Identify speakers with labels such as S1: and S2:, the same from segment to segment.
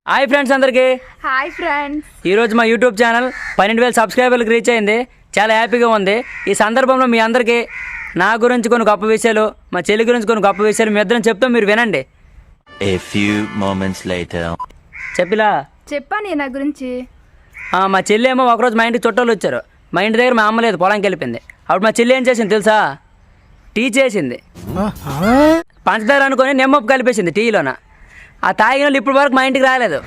S1: Hi friends అందరికీ.
S2: Hi friends.
S1: ఈరోజు మా యూట్యూబ్ ఛానల్ 12,000 సబ్స్క్రైబర్లకు రీచ్ అయింది. చాలా హ్యాపీగా ఉంది. ఈ సందర్భంలో మీ అందరికీ నా గురించి కొన్ని గొప్ప విషయాలు, మా చెల్లి గురించి కొన్ని గొప్ప విషయాలు మీ ఇద్దరం చెప్తాం, మీరు వినండి.
S3: A few moments later.
S1: చెప్పిలా
S2: చెప్పాను నా గురించి.
S1: మా చెల్లి ఏమో ఒకరోజు మా ఇంటికి చుట్టాలు వచ్చారు. మా ఇంటి దగ్గర మా అమ్మ లేదు, పొలంకి వెళ్ళిపోయింది. అప్పుడు మా చెల్లి ఏం చేసింది తెలుసా? టీ చేసింది. పంచదార అనుకొని నిమ్మప్పు కలిపేసింది టీలోన. ఆ తాగిన వాళ్ళు ఇప్పుడు వరకు మా ఇంటికి రాలేదు.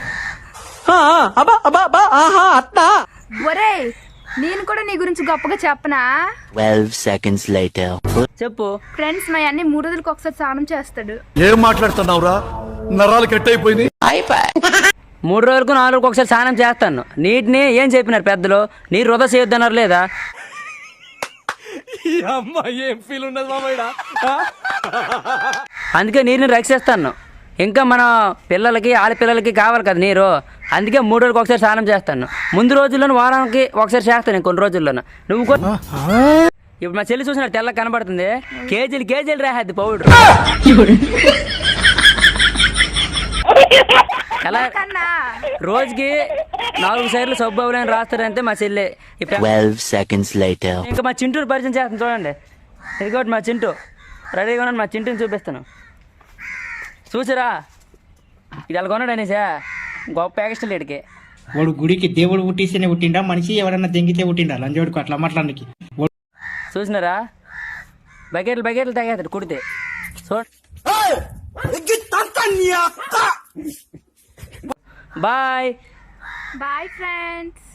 S2: ఒరే, నేను కూడా నీ గురించి గొప్పగా చెప్పనా?
S3: 12 seconds later.
S1: చెప్పు.
S2: ఫ్రెండ్స్, మా అన్ని 3 రోజులకు ఒకసారి స్నానం చేస్తాడు.
S4: ఏం మాట్లాడుతున్నావురా? నరాలు కట్ అయిపోయింది.
S1: 3 రోజులకు 4 రోజులకు ఒకసారి స్నానం చేస్తాను. నీటిని ఏం చెప్పినారు పెద్దలు? నీరు వృధా చేయొద్దన్నారు లేదా? అందుకే నీరుని రక్షిస్తాను. ఇంకా మన పిల్లలకి ఆడపిల్లలకి కావాలి కదా నీరు. అందుకే 3 రోజులకు ఒకసారి స్నానం చేస్తాను. ముందు రోజుల్లోనూ వారానికి ఒకసారి చేస్తాను, కొన్ని రోజుల్లోనూ. నువ్వు ఇప్పుడు మా చెల్లి చూసిన తెల్ల కనబడుతుంది. కేజీలు రాహద్ది పౌడర్. ఎలా రోజుకి 4 సార్లు సబ్బు అవలేని రాస్తారంటే మా చెల్లి.
S3: 12 seconds later.
S1: ఇంకా మా చింటూని పరిచయం చేస్తాను చూడండి. ఇదిగోటి మా చింటూ రెడీగా ఉన్నాను. మా చింటూని చూపిస్తాను, చూసారా? ఇది అలా కొన్నాడు అనేసా గొప్ప ఎక్స్ట్రా లేడికి.
S5: వాడు గుడికి దేవుడు పుట్టిస్తేనే పుట్టిండా, మనిషి ఎవరన్నా దెంగితే పుట్టిండా? లంజోడుకు అట్లా మాట్లాడానికి.
S1: చూసినారా? బకెట్లు తాగేస్తాడు కుడితే. Bye
S2: bye friends.